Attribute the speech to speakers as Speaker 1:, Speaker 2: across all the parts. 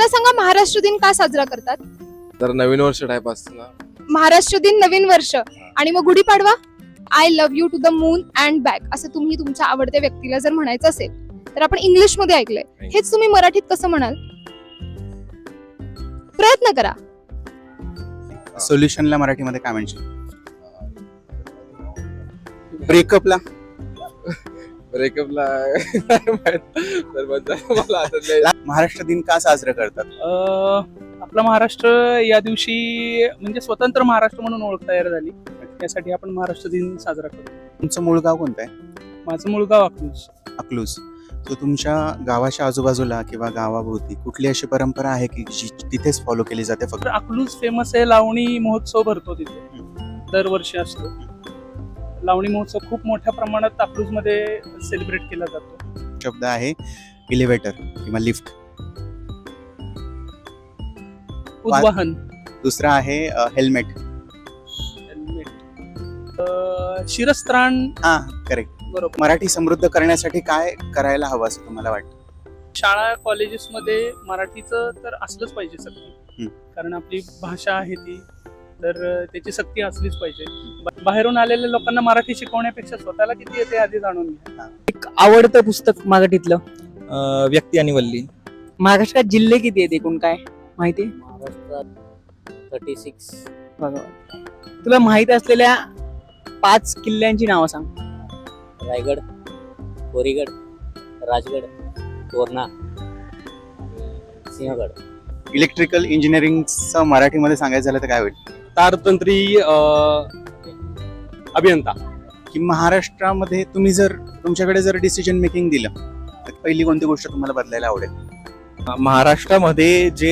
Speaker 1: मला सांगा, महाराष्ट्र दिन का साजरा करतात?
Speaker 2: तर नवीन वर्ष टाइप असतं ना.
Speaker 1: महाराष्ट्र दिन नवीन वर्ष आणि मग Gudhipadwa, I love you to the moon and back असं तुम्ही तुमच्या आवडत्या व्यक्तीला जर म्हणायचं असेल तर आपण इंग्लिश मध्ये ऐकलंय, हेच तुम्ही मराठीत कसं म्हणाल? प्रयत्न करा.
Speaker 3: सोल्युशनला मराठीमध्ये काय म्हणशील? ब्रेकअपला
Speaker 2: ब्रेकअपला मला आठवत नाही.
Speaker 3: महाराष्ट्र दिन का साजरा करतात?
Speaker 4: आपला महाराष्ट्र या दिवशी म्हणजे स्वतंत्र महाराष्ट्र म्हणून ओळख तयार झाली, त्यासाठी आपण महाराष्ट्र दिन साजरा करतो.
Speaker 3: तुमचं मूळ गाव कोणतं आहे?
Speaker 4: माझं मूळ गाव अकलूज.
Speaker 3: अकलूज. तर तुमच्या गावाच्या आजूबाजूला किंवा गावाभोवती कुठली अशी परंपरा आहे की जी तिथेच फॉलो केली जाते फक्त?
Speaker 4: तर अकलूज फेमस आहे, लावणी महोत्सव भरतो तिथे, दरवर्षी असतो. लावणी महोत्सव खूप मोठ्या प्रमाणात अकलूज मध्ये सेलिब्रेट केला जातो.
Speaker 3: शब्द आहे इलेव्हेटर किंवा लिफ्ट.
Speaker 4: उद्वाहन.
Speaker 3: दुसरा आहे हेल्मेट.
Speaker 4: शिरस्त्राण.
Speaker 3: हा, करेक्ट.
Speaker 4: बरोबर.
Speaker 3: मराठी समृद्ध करण्यासाठी काय करायला हवं असं तुम्हाला वाटतं?
Speaker 4: शाळा कॉलेजेस मध्ये मराठीचं तर असलंच पाहिजे सक्ती, कारण आपली भाषा आहे ती, तर त्याची सक्ती असलीच पाहिजे. बाहेरून आलेल्या लोकांना मराठी शिकवण्यापेक्षा स्वतःला किती येते आधी जाणून घ्या.
Speaker 5: एक आवडतं पुस्तक मराठीतलं
Speaker 6: व्यक्ती आणि वल्ली.
Speaker 5: महाराष्ट्रात जिल्हे किती आहेत एकूण काय माहिती?
Speaker 7: महाराष्ट्रात 36.
Speaker 5: भगवान, तुला माहित असलेल्या 5 किल्ल्यांची नावं सांग.
Speaker 7: रायगड, कोरीगड, राजगड, तोरणा, सिंहगड.
Speaker 3: इलेक्ट्रिकल इंजिनिअरिंगचं मराठीमध्ये सांगायचं झालं तर काय होईल?
Speaker 6: तारतंत्री अभियंता.
Speaker 3: की महाराष्ट्रामध्ये तुम्ही जर तुमच्याकडे जर डिसिजन मेकिंग दिलं तर पहिली कोणती गोष्ट तुम्हाला बदलायला आवडेल?
Speaker 6: महाराष्ट्रामध्ये जे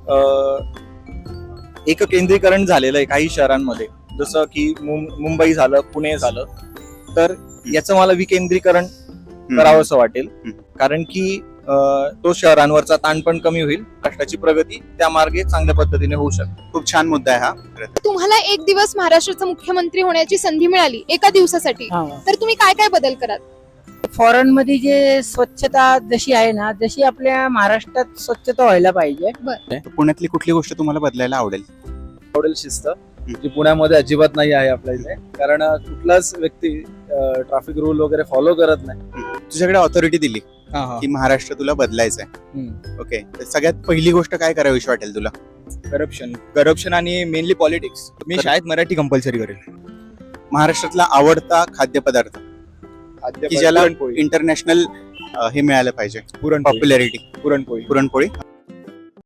Speaker 6: एककेंद्रीकरण झालेलं आहे काही शहरांमध्ये, जसं की मुंबई झालं, पुणे झालं, तर याचं मला विकेंद्रीकरण करावंसं वाटेल. कारण की तो शहरांवरचा ताण पण कमी होईल, राष्ट्राची प्रगती त्या मार्गे चांगल्या पद्धतीने होऊ शकते.
Speaker 3: खूप छान मुद्दा आहे हा.
Speaker 1: तुम्हाला एक दिवस महाराष्ट्राचा मुख्यमंत्री होण्याची संधी मिळाली एका दिवसासाठी, तर तुम्ही काय काय बदल कराल?
Speaker 5: फॉरेन मध्ये जे स्वच्छता जशी आहे ना, जशी आपल्या महाराष्ट्रात स्वच्छता व्हायला पाहिजे.
Speaker 3: तर पुण्यातली कुठली गोष्ट तुम्हाला बदलायला आवडेल?
Speaker 6: शिस्त जी पुण्यामध्ये अजिबात नाही आहे आपल्या इथे, कारण कुठलाच व्यक्ती ट्रॅफिक रूल वगैरे फॉलो करत नाही.
Speaker 3: तुझ्याकडे ऑथॉरिटी दिली की महाराष्ट्र तुला बदलायचं आहे, ओके, तर सगळ्यात पहिली गोष्ट काय करावीशी वाटेल तुला?
Speaker 6: करप्शन आणि मेनली पॉलिटिक्स. मी शाळेत मराठी कंपल्सरी करेल.
Speaker 3: महाराष्ट्रातला आवडता खाद्यपदार्थ की ज्याला इंटरनॅशनल हे मिळालं पाहिजे, पॉप्युलॅरिटी?
Speaker 6: पुरणपोळी.
Speaker 3: पुरणपोळी.